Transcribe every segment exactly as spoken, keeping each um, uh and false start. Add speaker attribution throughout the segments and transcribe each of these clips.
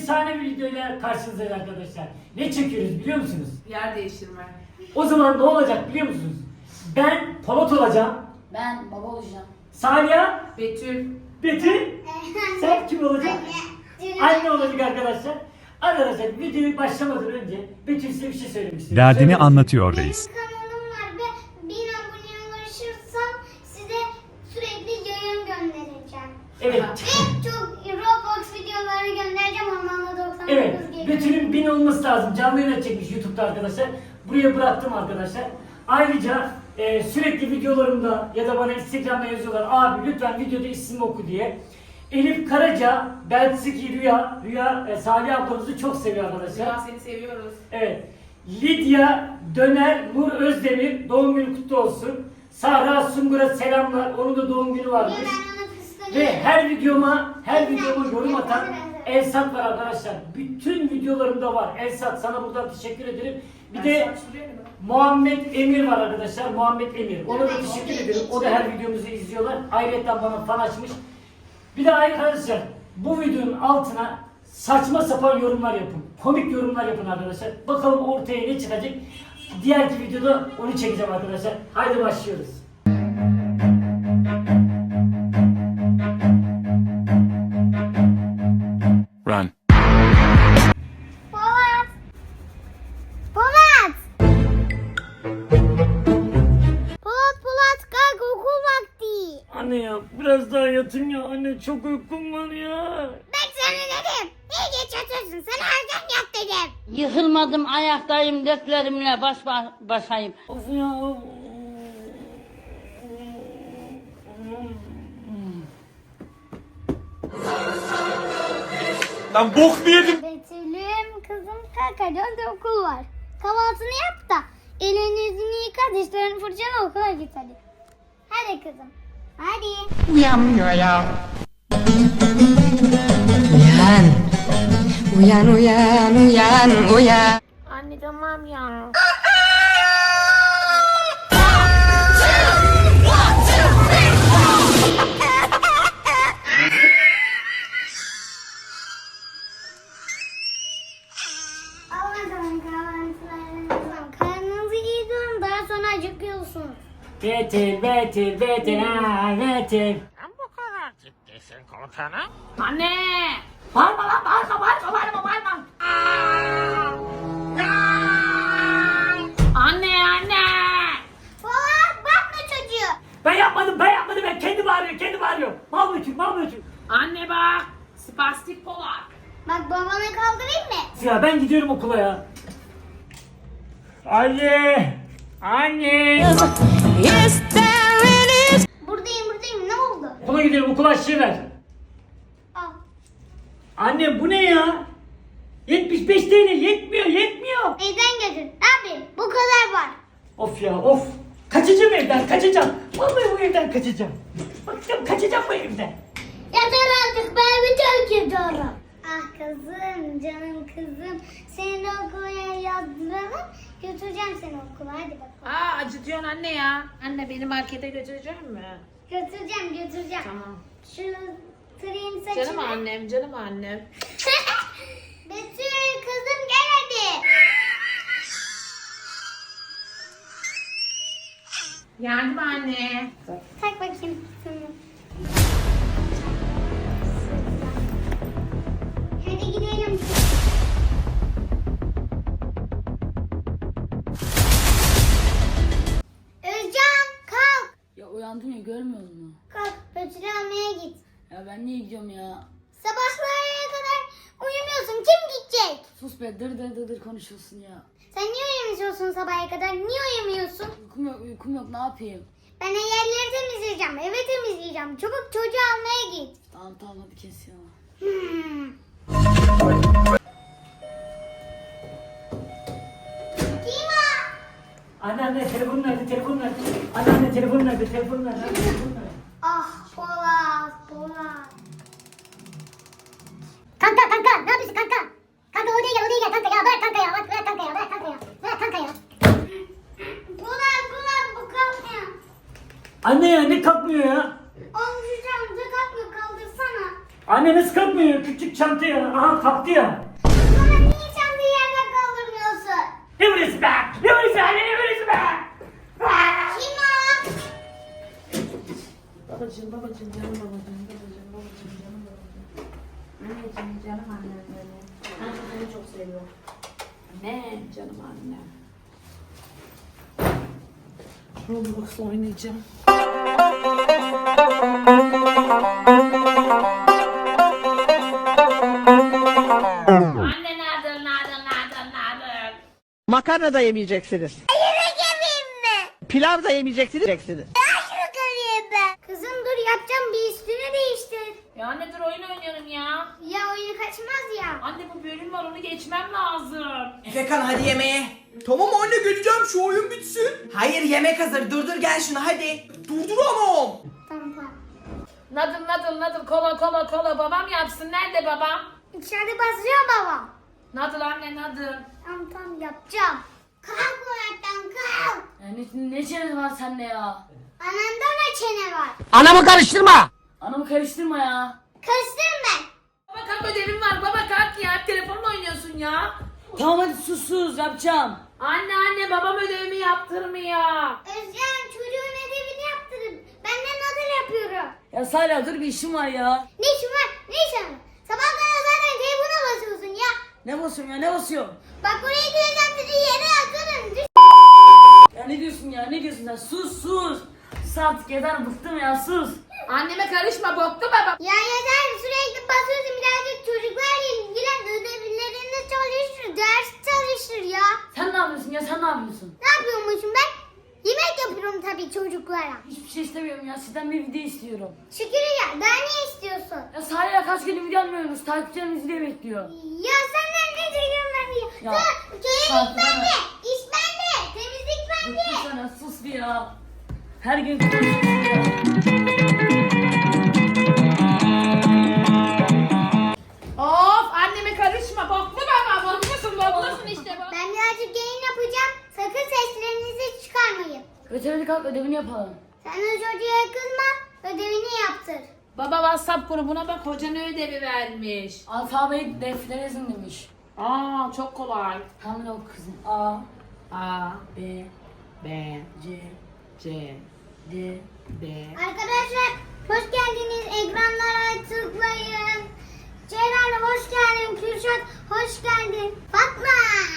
Speaker 1: efsane bir videoyla karşınızdayız arkadaşlar. Ne çekiyoruz biliyor musunuz?
Speaker 2: Yer değiştirme.
Speaker 1: O zaman ne olacak biliyor musunuz? Ben Polat olacağım.
Speaker 3: Ben baba olacağım.
Speaker 1: Salih,
Speaker 2: Betül.
Speaker 1: Betül, sen kim olacaksın? Anne olacak arkadaşlar. Arkadaşlar videoyu başlamadan önce Betül size bir şey söylemek istiyorum.
Speaker 4: Derdini
Speaker 1: Söylemek
Speaker 4: anlatıyor reis.
Speaker 5: Benim kanalım var ve bin aboneye ulaşırsam size sürekli yayın göndereceğim.
Speaker 1: Evet.
Speaker 5: Ve çok Roblox videoları göndereceğim onlarla doksan dokuz
Speaker 1: Evet.
Speaker 5: geliyor.
Speaker 1: Betül'ün bin olması lazım. Canlı yayın çekmiş YouTube'da arkadaşlar. Buraya bıraktım arkadaşlar. Ayrıca e, sürekli videolarımda ya da bana Instagram'da yazıyorlar. Abi lütfen videoda ismimi oku diye. Elif Karaca, Belçiki Rüya, Rüya e, Salih ablamızı çok seviyor arkadaşlar.
Speaker 2: Ya seni seviyoruz.
Speaker 1: Evet. Lidya Döner Nur Özdemir doğum günü kutlu olsun. Sahra Sungur'a selamlar. Onun da doğum günü varmış.
Speaker 5: Ben ona kıskanıyorum.
Speaker 1: Ve her videoma, her videoma yorum atan Elsat var arkadaşlar. Bütün videolarımda var. Elsat sana buradan teşekkür ederim. Bir de Muhammed Emir var arkadaşlar. Muhammed Emir. Ona da teşekkür ederim. O da her videomuzu izliyorlar. Ayrıca bana fan açmış. Bir de arkadaşlar bu videonun altına saçma sapan yorumlar yapın. Komik yorumlar yapın arkadaşlar. Bakalım ortaya ne çıkacak. Diğerki videoda onu çekeceğim arkadaşlar. Haydi başlıyoruz.
Speaker 6: Run.
Speaker 5: Polat! Polat! Polat Polat kalk okul vakti.
Speaker 1: Anne ya biraz daha yatayım ya. Anne çok uykum var ya.
Speaker 5: Ben sana dedim. Niye geç yatıyorsun? Sana erken yat dedim.
Speaker 3: Yıkılmadım, ayaktayım, dertlerimle baş ba- başayım.
Speaker 1: Of ya.
Speaker 6: Lan bok mu yedim?
Speaker 5: Betül'üm kızım kalk hadi önce okul var. Kahvaltını yap da elini yüzünü yıka dişlerini fırçala okula git hadi. Hadi kızım. Hadi.
Speaker 7: Uyanmıyor ya. Uyan. Uyan uyan uyan uyan.
Speaker 2: Anne tamam ya.
Speaker 5: Allah'ım kahvaltılarınızı. Karnınızı iyi durun daha sonra acıkıyorsunuz.
Speaker 1: Betil, Betil, Betil, ha, Betil.
Speaker 2: Anne.
Speaker 1: Bağırma lan, bağırma, bağırma, bağırma, bağırma.
Speaker 2: Anne anne.
Speaker 5: Polat bakma çocuğu.
Speaker 1: Ben yapmadım, ben yapmadım. Ben kendi bağırıyor, kendi bağırıyor. Mal Betül, mal Betül.
Speaker 2: Anne bak. Spastik Polat.
Speaker 5: Bak babanı kaldırayım mı?
Speaker 1: Ya ben gidiyorum okula ya. Anne! Anne!
Speaker 5: Buradayım buradayım ne oldu?
Speaker 1: Okula gidiyorum, okula aşçıya ver.
Speaker 5: Al.
Speaker 1: Anne bu ne ya? yetmiş beş T L yetmiyor, yetmiyor.
Speaker 5: Evden götür. Ne yapayım? Bu kadar var.
Speaker 1: Of ya, of. Kaçacağım evden, kaçacağım. Vallahi bu evden kaçacağım. Bakacağım, kaçacağım bu evden.
Speaker 5: Yeter artık ben bir terk ediyorum. Ah kızım, canım kızım. Seni de okula yazdıralım. Götüreceğim seni okula hadi bakalım.
Speaker 2: Aa acıtıyorsun anne ya. Anne beni markete götürecek mi?
Speaker 5: Götüreceğim götüreceğim.
Speaker 2: Tamam.
Speaker 5: Şu tırayım saçını.
Speaker 2: Canım annem canım annem.
Speaker 5: Betül kızım gel hadi.
Speaker 2: Geldim anne.
Speaker 5: Tak bakayım. Tamam. Hadi gidelim. Özcan kalk.
Speaker 3: Ya uyandım ya, görmüyor musun?
Speaker 5: Kalk Betül'ü almaya git.
Speaker 3: Ya ben niye gidiyorum ya?
Speaker 5: Sabahlara kadar uyumuyorsun. Kim gidecek?
Speaker 3: Sus be, dır dır dır dır konuşuyorsun ya.
Speaker 5: Sen niye uyumuyorsun sabaha kadar? Niye uyumuyorsun?
Speaker 3: Uykum yok, uykum yok, ne yapayım?
Speaker 5: Ben yerleri temizleyeceğim. Evi temizleyeceğim. Çabuk çocuğu almaya git.
Speaker 3: Tamam tamam hadi kes ya.
Speaker 5: Hmm. Kim o?
Speaker 1: Anne anne telefon nerede, telefon nerede? Anne anne telefon nerede, telefon nerede? Anne, telefon nerede?
Speaker 5: Ah Polat, Polat. Kanka kanka ne yapıyorsun kanka? Kanka odaya gel odaya gel kanka ya bırak kanka ya bırak, bırak kanka ya bırak kanka ya bırak kanka ya. Polat Polat bu kalkmıyor.
Speaker 1: Anne ya ne kalkmıyor ya?
Speaker 5: Oğlum şu camda kalkmıyor kaldırsana.
Speaker 1: Anne Anne nasıl kalkmıyor? Küçük çanta ya. Aha kalktı ya.
Speaker 5: Baba niye çantayı yerden kaldırmıyorsun?
Speaker 1: Ne vuruyorsun be? Ne vuruyorsun anne? Ne vuruyorsun be? Aa!
Speaker 5: Kim o?
Speaker 2: Babacığım babacığım canım babacığım babacığım babacığım canım babacığım. Anneciğim canım annem benim. Anne seni çok seviyorum. Anne canım annem. Roblox oynayacağım. Anne nerede nerede nerede nerede?
Speaker 4: Makarna da yemeyeceksiniz.
Speaker 5: Yemek yemeyeyim mi?
Speaker 4: Pilav da yemeyeceksiniz. yiyeceksiniz.
Speaker 5: Şunu göreyim ben. Kızım dur yapacağım bir üstünü değiştir.
Speaker 2: Ya anne dur oyun oynuyorum ya.
Speaker 5: Ya oyunu kaçmaz ya.
Speaker 2: Anne bu bölüm var onu geçmem lazım.
Speaker 8: Efekan hadi yemeğe.
Speaker 6: Tamam anne geleceğim şu oyun bitsin.
Speaker 8: Hayır yemek hazır. Durdur gel şunu hadi.
Speaker 6: Durduramam.
Speaker 5: Tamam tamam.
Speaker 2: Nadıl nadıl nadıl kola kola kola babam yapsın. Nerede babam?
Speaker 5: İçeride basıyor babam.
Speaker 2: Nadıl anne nadıl.
Speaker 5: Tamam tamam yapacağım. Kalk oradan kalk.
Speaker 3: Yani ne çenesi var sende ya?
Speaker 5: Ananda ne çene var?
Speaker 4: Anamı karıştırma.
Speaker 3: Anamı karıştırma ya.
Speaker 5: Karıştırma.
Speaker 2: Baba kalk ödevim var baba kalk ya. Hep telefonla oynuyorsun ya.
Speaker 3: Tamam hadi sus sus yapacağım.
Speaker 2: Anne anne babam ödevimi yaptırmıyor.
Speaker 5: Özcan çocuğun ödevini yaptırın. Ben de nadal yapıyorum.
Speaker 3: Ya Salih dur bir işim var ya.
Speaker 5: Ne işin var? Ne işin var? Sabah kadar zaten telefona basıyorsun ya.
Speaker 3: Ne basıyorum ya ne basıyorum?
Speaker 5: Bak buraya gireceğim sizi yere atarım. Düş.
Speaker 3: Ya ne diyorsun ya ne diyorsun sen sus sus. Sus artık yeter bıktım ya sus.
Speaker 2: Anneme karışma boktu baba.
Speaker 5: Ya yeter sürekli basıyorsun birazcık çocuklarla ilgilen. Ödevlerini çalıştır. Ders çalıştır ya.
Speaker 3: Sen ne yapıyorsun ya sen ne yapıyorsun?
Speaker 5: Ne yapıyormuşum ben? Yemek yapıyorum tabii çocuklara.
Speaker 3: Hiçbir şey istemiyorum ya sizden bir video istiyorum.
Speaker 5: Şükür ya daha ne istiyorsun?
Speaker 3: Ya Salih'e kaç gündür video almıyoruz takipçilerimiz video bekliyor.
Speaker 5: Ya senden ne çekiyorum ben diye.
Speaker 3: Ya,
Speaker 5: Dur, köyelik
Speaker 3: farkında
Speaker 5: bende.
Speaker 3: mı?
Speaker 5: İş bende. Temizlik bende.
Speaker 3: Bıktım sana sus bir ya. Her gün konuşuyorsun ya.
Speaker 2: Of anneme karışma boktu baba. Boklusun boklusun işte baba.
Speaker 5: Ben birazcık yayın yapacağım. Sakın seslerinizi çıkarmayın.
Speaker 3: Öteberi kalk ödevini yapalım.
Speaker 5: Sen o çocuğa kızma. Ödevini yaptır.
Speaker 2: Baba WhatsApp grubuna bak hoca ne ödevi vermiş.
Speaker 3: Alfabeyi deftere yazın demiş.
Speaker 2: Aa çok kolay.
Speaker 3: Hamile ol kızım. A,
Speaker 2: A,
Speaker 3: B,
Speaker 2: B,
Speaker 3: C,
Speaker 2: C,
Speaker 3: D.
Speaker 2: D.
Speaker 5: Arkadaşlar hoş geldiniz. Ekranlara tıklayın. Ceylan hoş geldin. Kürşat hoş geldin. Fatma.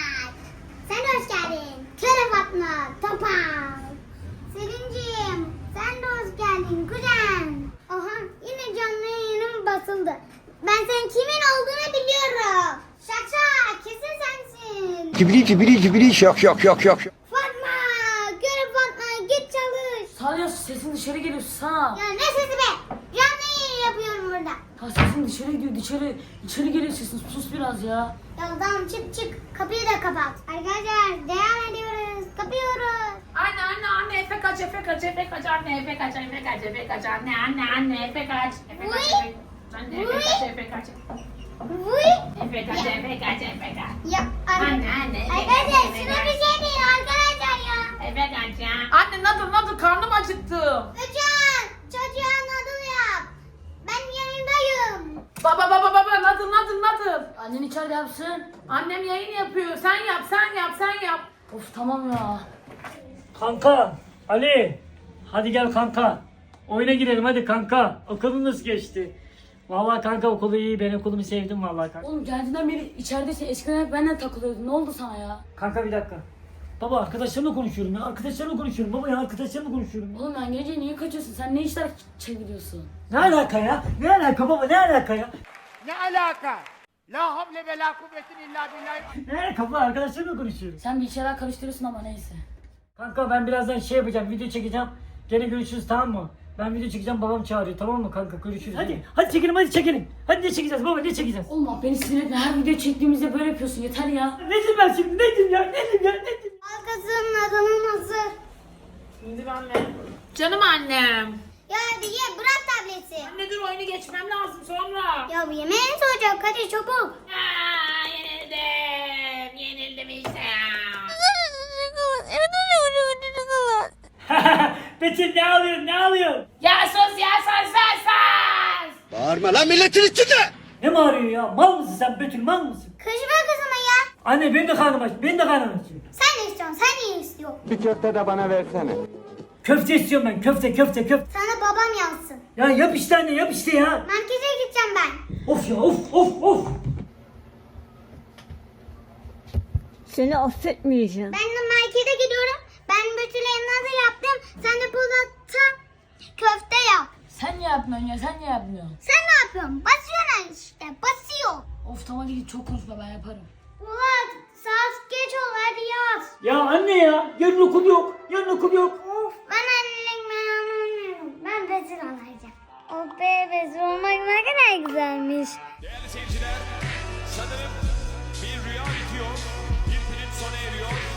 Speaker 5: Sen hoş geldin. Kere Fatma. Topal. Selin'ciğim sen de hoş geldin. Kuzen. Aha yine canlı yayınım basıldı. Ben senin kimin olduğunu biliyorum. Şakşak kesin sensin.
Speaker 9: Cibili cibili cibili şak şak şak şak.
Speaker 5: Fatma. Kere Fatma git çalış.
Speaker 3: Salih sesin dışarı geliyor sana.
Speaker 5: Ya ne sesi be? Canlı yayın yapıyorum burada.
Speaker 3: Ha sesin dışarı gidiyor dışarı. İçeri geliyor sesin sus biraz ya.
Speaker 5: Ya tamam çık çık. Kapıyı da kapat. Arkadaşlar devam ediyoruz. Kapıyoruz.
Speaker 2: Anne anne anne Efe kaç Efe kaç Efe kaç anne Efe kaç Efe kaç Efe kaç anne anne anne Efe kaç Efe kaç
Speaker 5: Uy.
Speaker 2: Efe anne Efe kaç Efe kaç
Speaker 5: Vuy.
Speaker 2: Efe kaç Efe kaç Efe kaç
Speaker 5: Ya
Speaker 2: Anne, anne, Efe
Speaker 5: Arkadaşlar
Speaker 2: kaç, Efe
Speaker 5: şuna
Speaker 2: kaç.
Speaker 5: bir şey değil arkadaşlar ya.
Speaker 2: Efe kaç ya. Anne nadıl nadıl karnım acıktı.
Speaker 5: Hocam çocuğa nadıl yap. Ben yanındayım.
Speaker 2: Baba baba baba nadıl nadıl nadıl.
Speaker 3: Annen içeride yapsın.
Speaker 2: Annem yayın yapıyor. Sen yap sen yap sen yap.
Speaker 3: Of tamam ya.
Speaker 1: Kanka Ali. Hadi gel kanka. Oyuna girelim hadi kanka. Okulun nasıl geçti? Vallahi kanka okulu iyi. Ben okulumu sevdim vallahi kanka.
Speaker 3: Oğlum geldiğinden beri içeridesin. Eskiden hep benden takılıyordun. Ne oldu sana ya?
Speaker 1: Kanka bir dakika. Baba arkadaşlarımla konuşuyorum ya. Arkadaşlarımla konuşuyorum. Baba ya arkadaşlarımla konuşuyorum. ya.
Speaker 3: Oğlum ben gece niye kaçıyorsun? Sen ne işler çeviriyorsun?
Speaker 1: Ne alaka ya? Ne alaka baba ne alaka ya?
Speaker 4: Ne alaka? La havle ve la kuvvetin illa billah.
Speaker 1: Ne alaka baba arkadaşlarımla konuşuyorum.
Speaker 3: Sen bir şeyler karıştırıyorsun ama neyse.
Speaker 1: Kanka ben birazdan şey yapacağım. Video çekeceğim. Gene görüşürüz tamam mı? Ben video çekeceğim babam çağırıyor tamam mı kanka görüşürüz. Hadi hadi çekelim hadi çekelim. Hadi ne çekeceğiz baba ne çekeceğiz?
Speaker 3: Oğlum bak beni sinir etme. Her video çektiğimizde böyle yapıyorsun. Yeter ya.
Speaker 1: Ne diyeyim ben şimdi ne diyeyim ya ne diyeyim ya ne diyeyim?
Speaker 5: Arkasının nadılın hazır.
Speaker 2: Şimdi anne. Canım annem.
Speaker 5: Ya hadi ye bırak tableti.
Speaker 2: Anne dur oyunu geçmem lazım sonra.
Speaker 5: Ya bu yemeğin soğuyacak hadi çabuk.
Speaker 2: Aa, yenildim. Yenildim işte.
Speaker 1: Betül ne alıyorsun ne alıyorsun?
Speaker 2: Ya sus ya sus sus sus.
Speaker 9: Bağırma lan milletin içinde.
Speaker 1: Ne bağırıyorsun ya? Mal mısın sen Betül, mal mısın?
Speaker 5: Karışma kızıma ya.
Speaker 1: Anne benim de karnım aç, benim de karnım aç.
Speaker 5: Sen ne istiyorsun? Sen iyi istiyorsun.
Speaker 9: Bir köfte de bana versene.
Speaker 1: Köfte istiyorum ben, köfte köfte köfte.
Speaker 5: Sana babam yazsın.
Speaker 1: Ya yap işte anne, yap işte ya.
Speaker 5: Merkeze gideceğim ben.
Speaker 1: Of ya, of of of.
Speaker 3: Seni affetmeyeceğim.
Speaker 5: Ben de markete gidiyorum. Ben Betül'e nazar yaptım. Sen de Polat'a köfte yap.
Speaker 3: Sen ne yapmıyorsun ya sen ne yapmıyorsun?
Speaker 5: Sen ne yapıyorsun? Basıyorsun işte. Basıyor.
Speaker 3: Of tamam hadi git çok konuşma ben yaparım.
Speaker 5: Polat saat geç ol hadi yat.
Speaker 1: Ya anne ya, yarın okul yok, yarın okul yok.